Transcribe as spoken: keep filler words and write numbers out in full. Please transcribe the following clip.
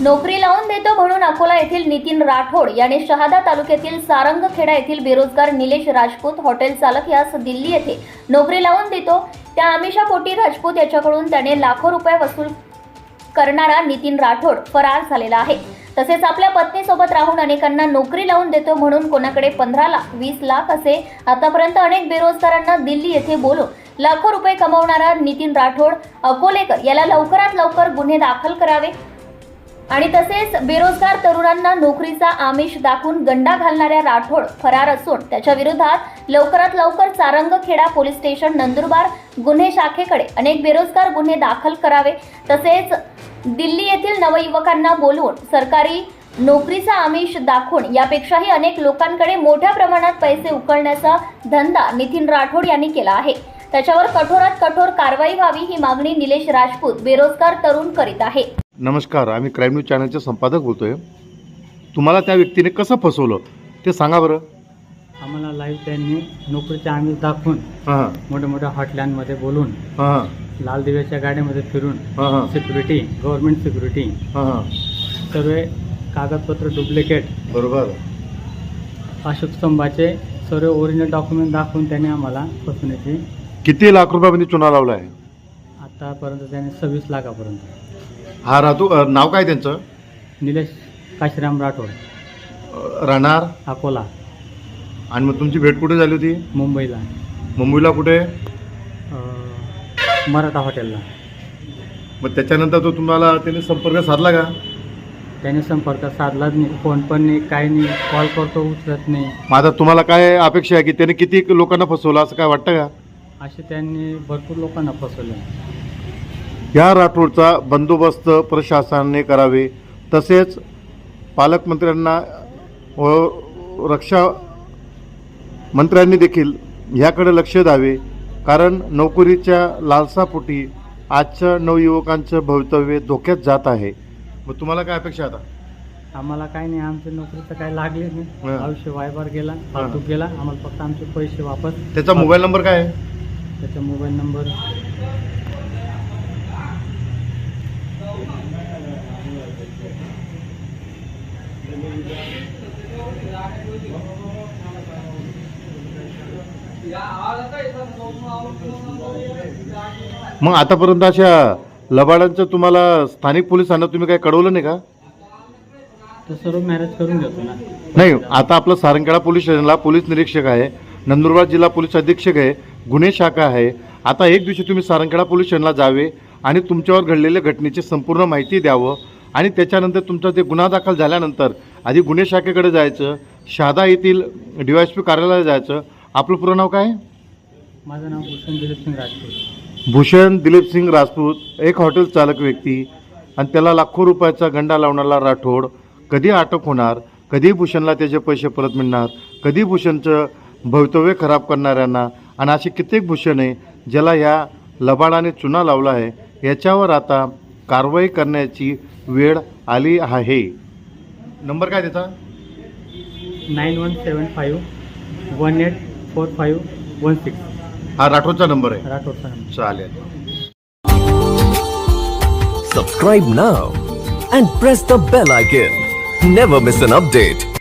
नोकरी लावून देतो म्हणून अकोला येथील नितीन राठोड याने शहादा तालुक्यातील सारंगखेडा येथील बेरोजगार निलेश राजपूत हॉटेल चालक यास दिल्ली येथे नोकरी लावून देतो त्या आमिषापोटी राजपूत याच्याकडून त्याने लाखो रुपये वसूल करणारा नितीन राठोड फरार झालेला आहे। तसेच आपल्या पत्नीसोबत राहून अनेकांना नोकरी लावून देतो म्हणून कोणाकडे पंधरा लाख वीस लाख असे आतापर्यंत अनेक बेरोजगारांना दिल्ली येथे बोलून लाखो रुपये कमवणारा नितीन राठोड अकोलेकर याला लवकरात लवकर गुन्हे दाखल करावे आणि तसेच बेरोजगार तरुणांना नोकरीचा आमिष दाखवून गंडा घालणाऱ्या राठोड फरार असून त्याच्या विरोधात लवकरात लवकर सारंगखेडा पोलीस स्टेशन नंदुरबार गुन्हे शाखेकडे अनेक बेरोजगार गुन्हे दाखल करावे। तसेच दिल्ली येथील नवयुवकांना बोलवून सरकारी नोकरीचा आमिष दाखवून यापेक्षाही अनेक लोकांकडे मोठ्या प्रमाणात पैसे उकळण्याचा धंदा नितीन राठोड यांनी केला आहे। त्याच्यावर कठोरात कठोर कारवाई व्हावी ही मागणी निलेश राजपूत बेरोजगार तरुण करीत आहे। नमस्कार, आम्ही क्राईम न्यूज चॅनलचे संपादक बोलतोय। तुम्हाला त्या व्यक्तीने कसं फसवलं ते सांगा बरं। आम्हाला लाईव्ह त्यांनी नोकरीच्या आमिष दाखवून हां मोठ्या मोठ्या हॉटलाईनमध्ये बोलून हां लाल दिव्याच्या गाड्यामध्ये फिरून हां सिक्युरिटी गव्हर्नमेंट सिक्युरिटी हां सर्व कागदपत्र डुप्लिकेट बरोबर अशोक स्तंभाचे सर्व ओरिजिनल डॉक्युमेंट दाखवून त्यांनी आम्हाला फसवण्याची किती लाख रुपयामध्ये चुना लावला आहे? आतापर्यंत त्यांनी सव्वीस लाखापर्यंत। हा राहतो अ, नाव काय त्यांचं? निलेश काशीराम राठोड, अ, राहणार अकोला, आणि मग तुमची भेट कुठे झाली होती? मुंबईला, मुंबईला कुठे? अं, मराठा हॉटेलला। मग त्याच्यानंतर तो तुम्हाला त्याने संपर्क साधला का? त्याने संपर्क साधलाच नाही, फोन पण नाही, काही नाही, कॉल करतो उचलत नाही। मग आता तुम्हाला काय अपेक्षा आहे की त्याने किती लोकांना फसवलं असं काय वाटतं का? असे त्यांनी भरपूर लोकांना फसवले। या राठोडचा बंदोबस्त प्रशासनाने करावे, तसेच पालकमंत्र्यांना व रक्षा मंत्र्यांनी देखील ह्याकडे लक्ष द्यावे, कारण नोकरीच्या लालसापोटी आजच्या नवयुवकांचं भवितव्य धोक्यात जात आहे। मग तुम्हाला काय अपेक्षा आता? आम्हाला काही नाही, आमच्या नोकरीचं काही लागले नाही, हां. आयुष्य वायबार गेला, फालतू गेला, आम्हाला फक्त आमचे पैसे वापस। त्याचा मोबाईल नंबर काय आहे? त्याचा मोबाईल नंबर मग आतापर्यंत अशा लबाडांचं तुम्हाला स्थानिक पोलिसांना तुम्ही काय कळवलं नाही का? तर सर्व मॅरेज करून घेतो ना। नाही, आता आपलं सारंगखेडा पोलीस स्टेशनला पोलीस निरीक्षक आहे, नंदुरबार जिल्हा पोलीस अधीक्षक आहे, गुन्हे शाखा आहे। आता एक दिवशी तुम्ही सारंगखेडा पोलीस स्टेशनला जावे आणि तुमच्यावर घडलेल्या घटनेची संपूर्ण माहिती द्यावं आणि त्याच्यानंतर तुमचा ते गुन्हा दाखल झाल्यानंतर आधी गुन्हे शाखेकडे जायचं, शहादा येथील डी वाय एस पी कार्यालयाला जायचं। आपलं पूर्ण नाव काय? माझं नाव भूषण दिलीप सिंग राजपूत। भूषण दिलीप सिंग राजपूत, एक हॉटेल चालक व्यक्ती, आणि त्याला लाखो रुपयाचा गंडा लावणारा राठोड कधी अटक होणार, कधी भूषणला त्याचे पैसे परत मिळणार, कधी भूषणचं भवितव्य खराब करणाऱ्यांना, आणि असे कित्येक भूषण आहे ज्याला ह्या लबाडाने चुना लावला आहे, याच्यावर आता कारवाई करण्याची वेळ आली आहे। नंबर काय त्याचा? Nine one seven five one eight four five one six हा राठोडचा नंबर आहे। राठोडचा नंबर। चालेल। Subscribe now and press the bell icon. Never miss an update.